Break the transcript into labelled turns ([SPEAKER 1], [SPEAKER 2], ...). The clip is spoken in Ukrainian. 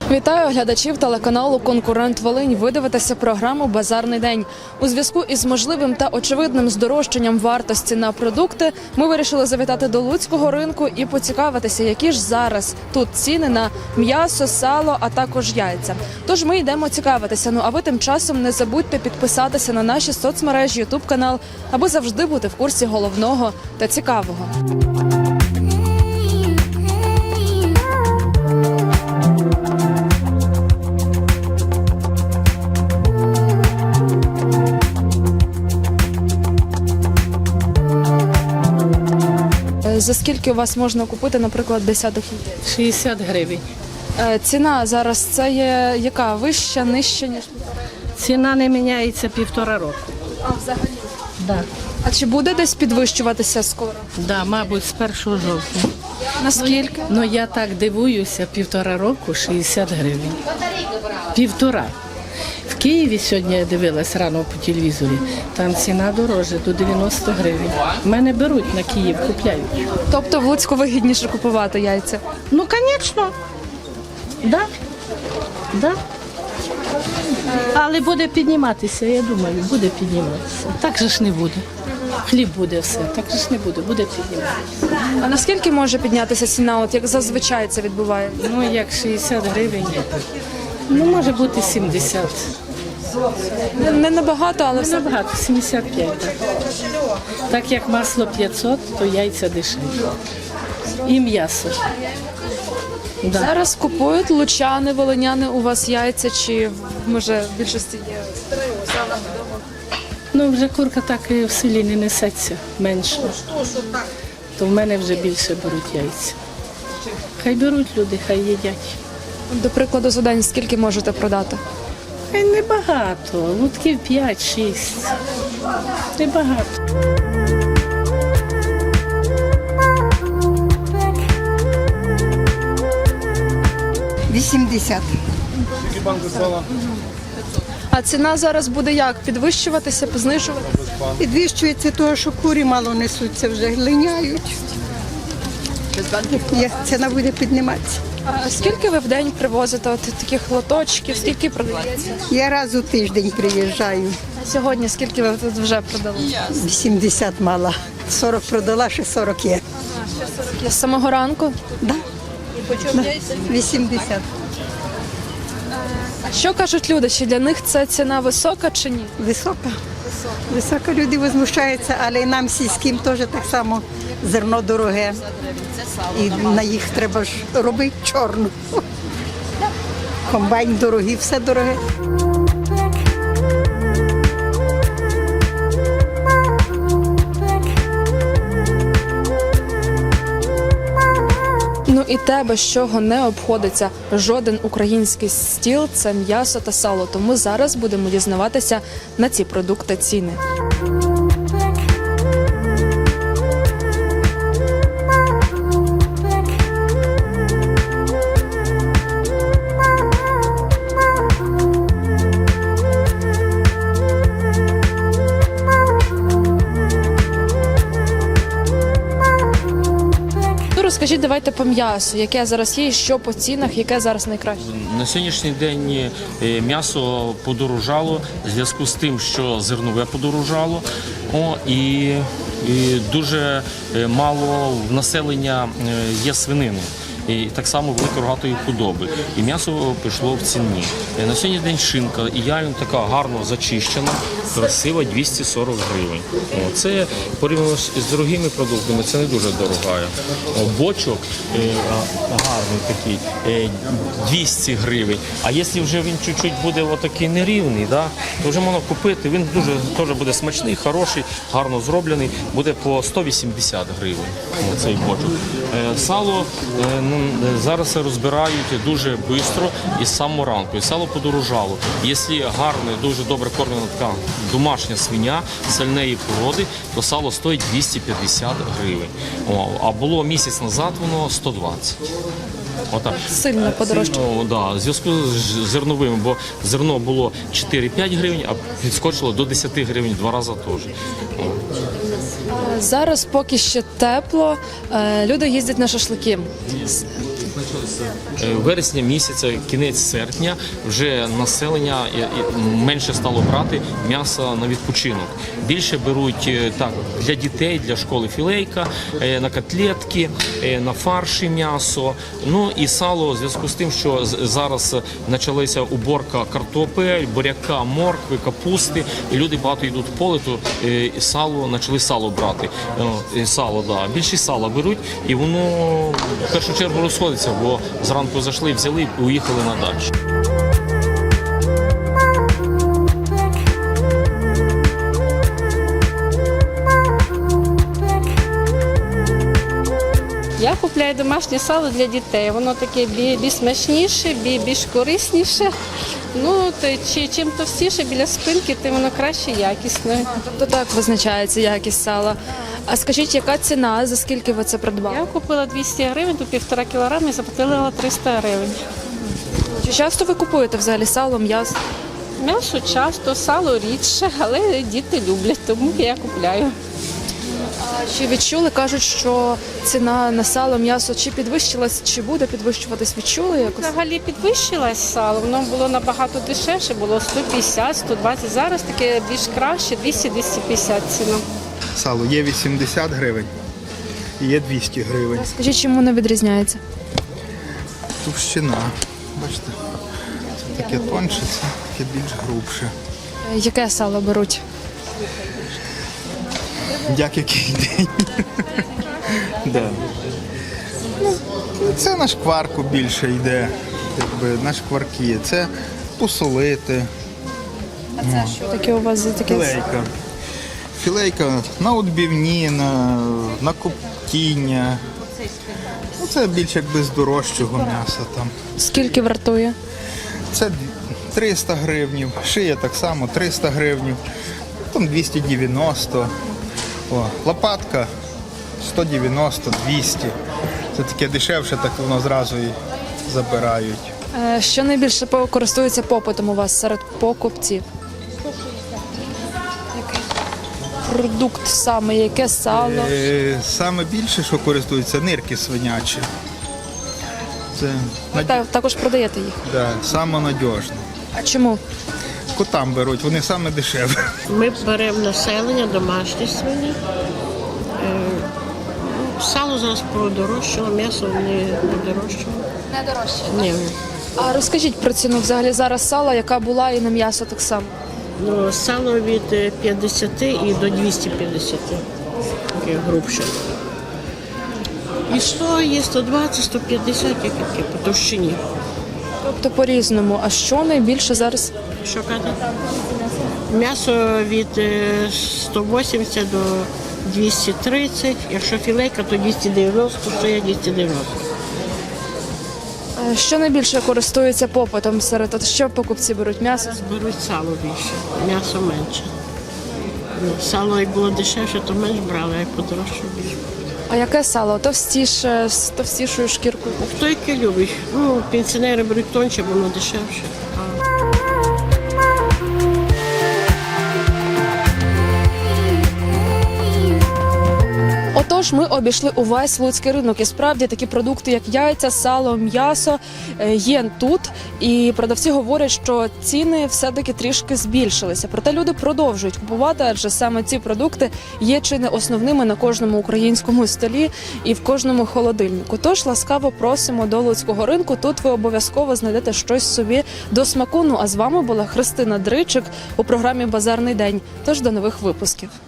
[SPEAKER 1] Вітаю глядачів телеканалу «Конкурент Волинь». Ви дивитеся програму «Базарний день». У зв'язку із можливим та очевидним здорожчанням вартості на продукти ми вирішили завітати до Луцького ринку і поцікавитися, які ж зараз тут ціни на м'ясо, сало, а також яйця. Тож ми йдемо цікавитися. Ну а ви тим часом не забудьте підписатися на наші соцмережі, ютуб-канал, аби завжди бути в курсі головного та цікавого. За скільки у вас можна купити, наприклад, десяток яєць?
[SPEAKER 2] 60 гривень.
[SPEAKER 1] Ціна зараз це є яка? Вища, нижча, ніж?
[SPEAKER 2] Ціна не міняється 1,5 року.
[SPEAKER 1] А, взагалі?
[SPEAKER 2] Да.
[SPEAKER 1] А чи буде десь підвищуватися скоро?
[SPEAKER 2] Да, мабуть, з 1 жовтня.
[SPEAKER 1] Наскільки?
[SPEAKER 2] Ну я так дивуюся, 1,5 року 60 гривень. 1,5. В Києві сьогодні я дивилась рано по телевізорі, там ціна дорожча, до 90 гривень. Мене беруть на Київ, купляють.
[SPEAKER 1] Тобто в Луцьку вигідніше купувати яйця?
[SPEAKER 2] Ну, звісно. Да. Да. Але буде підніматися, я думаю, буде підніматися. Так же ж не буде. Хліб буде все, так же ж не буде, буде підніматися.
[SPEAKER 1] А наскільки може піднятися ціна, от як зазвичай це відбувається?
[SPEAKER 2] Ну, як 60 гривень, ну, може бути 70.
[SPEAKER 1] Не набагато, але все.
[SPEAKER 2] Набагато, 75. Так. Так як масло 500, то яйця дешеві. І м'ясо. Да.
[SPEAKER 1] Зараз купують лучани, волиняни у вас яйця, чи може в більшості є?
[SPEAKER 2] Ну, вже курка так і в селі не несеться, менше. То в мене вже більше беруть яйця. Хай беруть люди, хай їдять.
[SPEAKER 1] До прикладу, за день скільки можете продати?
[SPEAKER 2] Хай небагато, лутків 5-6. Небагато.
[SPEAKER 3] $80.
[SPEAKER 1] А ціна зараз буде як? Підвищуватися, знижуватися?
[SPEAKER 3] Підвищується того, що курі мало несуться, вже глиняють. Ціна буде підніматися.
[SPEAKER 1] А скільки ви в день привозите от таких лоточків? Скільки продається?
[SPEAKER 3] Я раз у тиждень приїжджаю.
[SPEAKER 1] А сьогодні скільки ви тут вже продали?
[SPEAKER 3] 80 мала. 40 продала, ще 40 є.
[SPEAKER 1] З самого ранку?
[SPEAKER 3] Да? Да. 80.
[SPEAKER 1] А що кажуть люди? Чи для них це ціна висока чи ні?
[SPEAKER 3] Висока. Висока, люди возмущаються, але і нам сільським теж так само зерно дороге. І на їх треба ж робити чорну. Комбайн дорогий, все дороге.
[SPEAKER 1] Ну і те, без чого не обходиться жоден український стіл – це м'ясо та сало. Тому зараз будемо дізнаватися на ці продукти ціни. Розкажіть, давайте по м'ясу, яке зараз є, і що по цінах, яке зараз найкраще?
[SPEAKER 4] На сьогоднішній день м'ясо подорожало в зв'язку з тим, що зернове подорожало, і дуже мало в населення є свинини. І так само великорогатої худоби. І м'ясо пішло в ціні. На сьогоднішній день шинка ідеально така гарно зачищена, красива, 240 гривень. Це порівняно з дорогими продуктами, це не дуже дорога. Бочок гарний такий, 200 гривень. А якщо вже він чуть-чуть буде отакий нерівний, то вже можна купити. Він дуже теж буде смачний, хороший, гарно зроблений, буде по 180 гривень. Цей бочок. Сало зараз розбирають дуже швидко і з самого ранку. І сало подорожало. Якщо гарне, дуже добре кормлена така домашня свиня сальної породи, то сало стоїть 250 гривень. А було місяць назад воно 120. Отак.
[SPEAKER 1] Сильно подорожчало.
[SPEAKER 4] Да, в зв'язку з зерновим, бо зерно було 4-5 гривень, а підскочило до 10 гривень, 2 рази теж.
[SPEAKER 1] Зараз поки ще тепло, люди їздять на шашлики.
[SPEAKER 4] вересня місяця, кінець серпня, вже населення менше стало брати м'ясо на відпочинок. Більше беруть так для дітей, для школи філейка, на котлетки, на фарші м'ясо. Ну і сало у зв'язку з тим, що зараз почалася уборка картопель, буряка, моркви, капусти, і люди багато йдуть в поле, то почали сало брати. Сало, да. Більше сала беруть, і воно в першу чергу розходиться, бо зранку зайшли, взяли і уїхали на дачу.
[SPEAKER 5] Я купляю домашнє сало для дітей. Воно таке більш смачніше, більш корисніше. Ну, чим товстіше біля спинки, тим воно краще якісне.
[SPEAKER 1] Тобто так визначається якість сала. А скажіть, яка ціна, за скільки ви це придбали?
[SPEAKER 5] Я купила 200 гривень, то 1,5 кілограми і заплатила 300 гривень.
[SPEAKER 1] Чи часто ви купуєте взагалі сало, м'ясо?
[SPEAKER 5] М'ясо часто, сало рідше, але діти люблять, тому я купляю.
[SPEAKER 1] Чи відчули, кажуть, що ціна на сало, м'ясо чи підвищилась, чи буде підвищуватись? Відчули якось?
[SPEAKER 5] Взагалі підвищилось сало, воно було набагато дешевше, було 150, 120, зараз таке більш краще, 200-250 ціна.
[SPEAKER 6] Сало є 80 гривень, є 200 гривень.
[SPEAKER 1] Скажіть, чим воно відрізняється?
[SPEAKER 6] Товщина, бачите, це таке тонше, це таке більш грубше.
[SPEAKER 1] Яке сало беруть?
[SPEAKER 6] Як який день. Да. Ну, це на шкварку більше йде, якби, на шкварки. Це посолити.
[SPEAKER 1] Що таке у вас за таке?
[SPEAKER 6] Філейка. Філейка на відбивні, на коптіння. Ну, це більш якби з дорожчого м'яса там.
[SPEAKER 1] Скільки вартує?
[SPEAKER 6] Це 300 гривнів, шия так само 300 гривнів, там 290, лопатка 190, 200. Це таке дешевше, так воно зразу і забирають.
[SPEAKER 1] Що найбільше користується попитом у вас серед покупців? Який продукт саме, яке сало?
[SPEAKER 6] Саме більше, що користуються, нирки свинячі. Це
[SPEAKER 1] Також продаєте їх.
[SPEAKER 6] да, саме надіжне.
[SPEAKER 1] А чому?
[SPEAKER 6] Котам беруть, вони саме дешеві.
[SPEAKER 7] Ми беремо населення, домашні свині. Сало зараз подорожчало, м'ясо не подорожчало.
[SPEAKER 1] Не дорожче.
[SPEAKER 7] Ні.
[SPEAKER 1] А розкажіть про ціну взагалі зараз сала, яка була і на м'ясо так само.
[SPEAKER 7] Ну, сало від 50 і до 250, таке грубше. І 100 є, 120, 150, як таке, по товщині.
[SPEAKER 1] Тобто по-різному. А що найбільше зараз?
[SPEAKER 7] Що казати? М'ясо від 180 до 230, якщо філейка, то 290, шия 290.
[SPEAKER 1] Що найбільше користується попитом серед? От що покупці беруть? М'ясо?
[SPEAKER 7] Беруть сало більше, м'ясо менше. Ну, сало як було дешевше, то менш брали, а як подорожче більше.
[SPEAKER 1] А яке сало? Товстіше, з товстішою шкіркою?
[SPEAKER 7] Хто яке любить? Ну, пенсіонери беруть тонше, бо воно дешевше.
[SPEAKER 1] Отож, ми обійшли увесь луцький ринок. І справді такі продукти, як яйця, сало, м'ясо, є тут. І продавці говорять, що ціни все-таки трішки збільшилися. Проте люди продовжують купувати, адже саме ці продукти є чи не основними на кожному українському столі і в кожному холодильнику. Тож ласкаво просимо до луцького ринку. Тут ви обов'язково знайдете щось собі до смаку. Ну а з вами була Христина Дричик у програмі «Базарний день». Тож до нових випусків.